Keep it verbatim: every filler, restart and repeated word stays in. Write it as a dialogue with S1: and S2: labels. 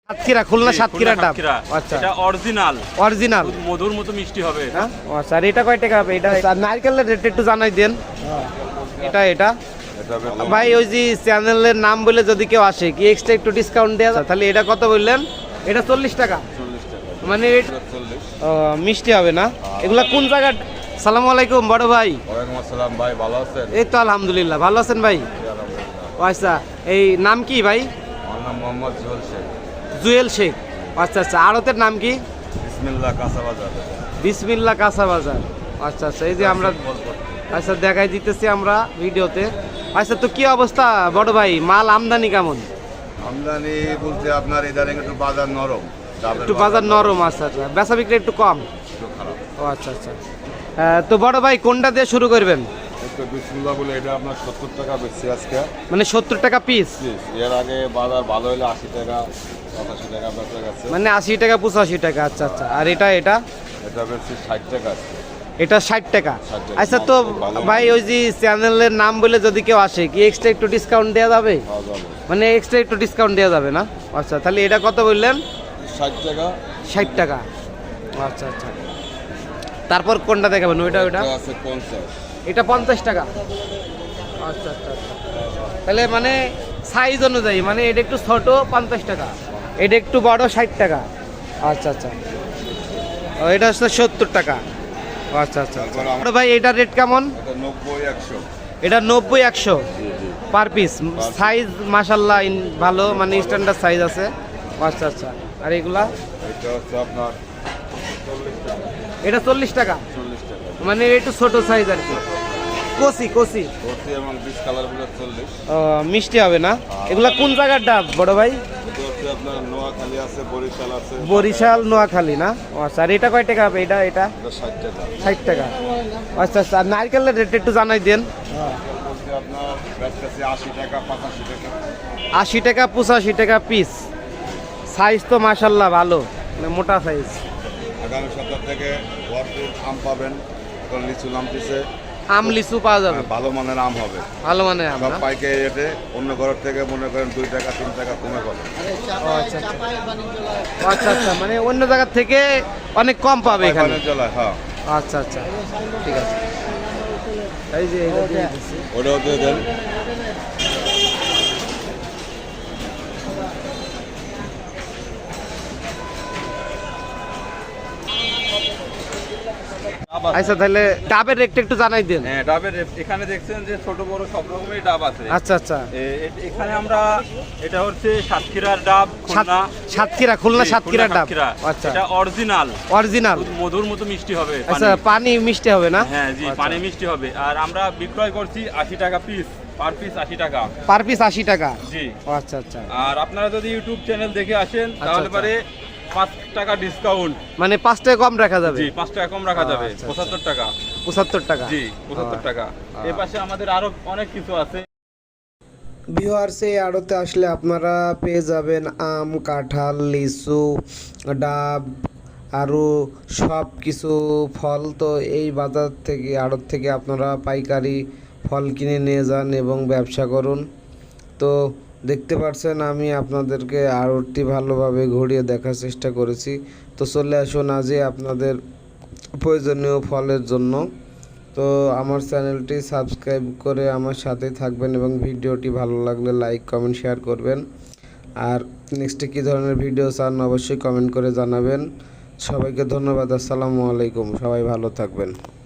S1: সাতক্ষীরা, খুলনা সাতক্ষীরা ডাব।
S2: আচ্ছা, এটা অরিজিনাল
S1: অরিজিনাল
S2: মধুর মতো মিষ্টি হবে।
S1: হ্যাঁ, আচ্ছা। আর এটা কয় টাকা হবে? এটা আর নারকেলের রেট একটু জানাই দেন। এটা এটা ভাই ওই যে চ্যানেলের নাম বলে যদি কেউ আসে কি এক্সট্রা একটু ডিসকাউন্ট দেওয়া যায়? তাহলে এটা কত বললেন? এটা চল্লিশ টাকা। মানে ও মিষ্টি হবে না? এগুলা কোন জায়গা? সালামু আলাইকুম বড় ভাই।
S3: ওয়ালাইকুম আসসালাম ভাই, ভালো আছেন?
S1: এই তো আলহামদুলিল্লাহ, ভালো আছেন ভাই? ও আচ্ছা, এই নাম কি ভাই?
S3: আমার নাম মোহাম্মদ জুয়েল শেখ।
S1: জুয়েল শেখ, আচ্ছা আচ্ছা। আড়তের নাম কি?
S3: বিসমিল্লাহ কাঁচা বাজার।
S1: বিসমিল্লাহ কাঁচা বাজার, আচ্ছা আচ্ছা। এই যে আমরা আচ্ছা দেখাই দিতেছি আমরা ভিডিওতে। আচ্ছা, তো কি অবস্থা বড় ভাই, মাল আমদানি কেমন?
S3: আমদানি বলতে আপনার ইদানিং একটু বাজার নরম, ডাবের
S1: একটু বাজার নরম, আচ্ছা আচ্ছা। বেচা বিক্রি একটু কম।
S3: একটু খারাপ।
S1: ও আচ্ছা আচ্ছা। আহ, তো বড় ভাই কোনটা দিয়ে শুরু করবেন?
S3: একটু বিসমিল্লাহ বলে এটা আপনার সত্তর টাকা বেশি আজকে।
S1: মানে সত্তর টাকা পিস?
S3: এর আগে বাজার ভালো হলে আশি টাকা পঁচাশি টাকা বেচা গেছে।
S1: মানে আশি টাকা পঁচাশি টাকা, আচ্ছা আচ্ছা। আর এটা এটা
S3: এটা বেশি ষাট টাকা আছে।
S1: এটা ষাট টাকা।
S3: ষাট টাকা।
S1: আচ্ছা, তো ভাই ওই যে চ্যানেলের নাম বলে যদি কেউ আসে কি এক্সট্রা একটু ডিসকাউন্ট দেওয়া যাবে?
S3: পাওয়া যাবে।
S1: মানে এক্সট্রা একটু ডিসকাউন্ট দেওয়া যাবে না? আচ্ছা, তাহলে এটা কত বললেন?
S3: ষাট টাকা।
S1: ষাট টাকা, আচ্ছা আচ্ছা। তারপর কোনটা দেখাবেন? ওইটা ওইটা
S3: এটা আছে পঞ্চাশ।
S1: এটা পঞ্চাশ টাকা, আচ্ছা আচ্ছা আচ্ছা। তাহলে মানে সাইজ অনুযায়ী, মানে এটা একটু ছোট পঞ্চাশ টাকা, এটা একটু বড় ষাট টাকা, আচ্ছা আচ্ছা। ও, এটা হচ্ছে সত্তর টাকা, আচ্ছা আচ্ছা।
S3: তারপর আমার-
S1: বড় ভাই এটার রেট কেমন?
S3: এটা নব্বই একশো।
S1: এটা নব্বই একশো
S3: জি জি।
S1: Per piece. সাইজ মাশাল্লাহ ভালো, মানে স্ট্যান্ডার্ড সাইজ আছে, আচ্ছা আচ্ছা। আর এগুলা?
S3: এটা হচ্ছে আপনার চল্লিশ টাকা।
S1: এটা চল্লিশ টাকা,
S3: চল্লিশ টাকা।
S1: মানে একটু ছোট সাইজ আর কি। কচি কচি
S3: ভর্তি এবং বিশ কালারগুলো চল্লিশ।
S1: ও, মিষ্টি হবে না? এগুলা কোন জায়গার ডাব বড় ভাই?
S3: এটা হচ্ছে আপনার নোয়াখালী আছে, বরিশাল আছে।
S1: বরিশাল নোয়াখালী না? ও আচ্ছা। আর এটা কয় টাকা হবে? এটা এটা
S3: এটা ষাট টাকা।
S1: ষাট টাকা, আচ্ছা আচ্ছা। আর নারকেলের রেট একটু জানাই দেন।
S3: বলতে আপনার বেচতেছে আশি টাকা পঁচাশি টাকা।
S1: আশি টাকা পঁচাশি টাকা পিস। সাইজ তো মাশাল্লাহ ভালো, মানে মোটা সাইজ।
S3: আগামী সপ্তাহ থেকে ভরপুর আম পাবেন। এখন লিচু নামতেছে,
S1: আম লিচু পাওয়া যাবে,
S3: ভালো মানের আম হবে।
S1: ভালো মানে আম
S3: সব
S1: না?
S3: পাইকারি রেটে, অন্য ঘরের থেকে মনে করেন দুই টাকা তিন টাকা কমে পাবেন।
S1: ও আচ্ছা আচ্ছা, আচ্ছা আচ্ছা। মানে অন্য জায়গার থেকে অনেক কম পাবে এখানে।
S3: পাইকারি জলায়, হ্যাঁ।
S1: আচ্ছা আচ্ছা, ঠিক আছে। এই যে এটা দিয়ে দিচ্ছি।
S3: ওটাও দিয়ে দেন।
S1: আচ্ছা, তাহলে ডাবের রেটটা একটু জানাই দেন।
S2: হ্যাঁ, ডাবের এখানে দেখছেন যে ছোট বড় সব রকমের ডাব আছে।
S1: আচ্ছা আচ্ছা।
S2: এ- এ- এখানে আমরা এটা হচ্ছে সাতক্ষীরার ডাব, খুলনা
S1: সাতক্ষীরা, খুলনা
S2: জি,
S1: সাতক্ষীরা ডাব,
S2: সাতক্ষীরা।
S1: আচ্ছা।
S2: এটা অরিজিনাল
S1: অরিজিনাল
S2: মধুর মতো মিষ্টি হবে।
S1: আচ্ছা,
S2: পানি।
S1: পানি মিষ্টি হবে না?
S2: হ্যাঁ জি,
S1: আচ্ছা।
S2: পানি মিষ্টি হবে। আর আমরা বিক্রয় করছি আশি টাকা পিস, পার পিস আশি টাকা।
S1: পার পিস আশি টাকা,
S2: জি।
S1: ও আচ্ছা আচ্ছা।
S2: আর আপনারা যদি ইউটিউব চ্যানেল দেখে আসেন তাহলে
S1: আচ্ছা।
S2: পারে পাঁচ টাকা ডিসকাউন্ট।
S1: মানে পাঁচ টাকা কম রাখা যাবে?
S2: জি, পাঁচ টাকা কম রাখা যাবে।
S1: আচ্ছা, আচ্ছা।
S2: পঁচাত্তর টাকা।
S1: পঁচাত্তর টাকা,
S2: জি, পঁচাত্তর টাকা। এর পাশে আমাদের আরো অনেক কিছু আছে।
S1: ভিউয়ার্স, এই আড়তে আসলে আপনারা পেয়ে যাবেন আম, কাঁঠাল, লিচু, ডাব, আরও সব কিছু ফল। তো এই বাজার থেকে, আড়ত থেকে আপনারা পাইকারি ফল কিনে নিয়ে যান এবং ব্যবসা করুন। তো দেখতে পাচ্ছেন আমি আপনাদেরকে আড়তটি ভালোভাবে ঘুরিয়ে দেখার চেষ্টা করেছি। তো চলে আসুন আজই আপনাদের প্রয়োজনীয় ফলের জন্য। তো আমার চ্যানেলটি সাবস্ক্রাইব করে আমার সাথে থাকবেন এবং ভিডিওটি ভালো লাগলে লাইক কমেন্ট শেয়ার করবেন। আর নেক্সটে কী ধরনের ভিডিও চান অবশ্যই কমেন্ট করে জানাবেন। সবাইকে ধন্যবাদ। আসসালামু আলাইকুম, সবাই ভালো থাকবেন।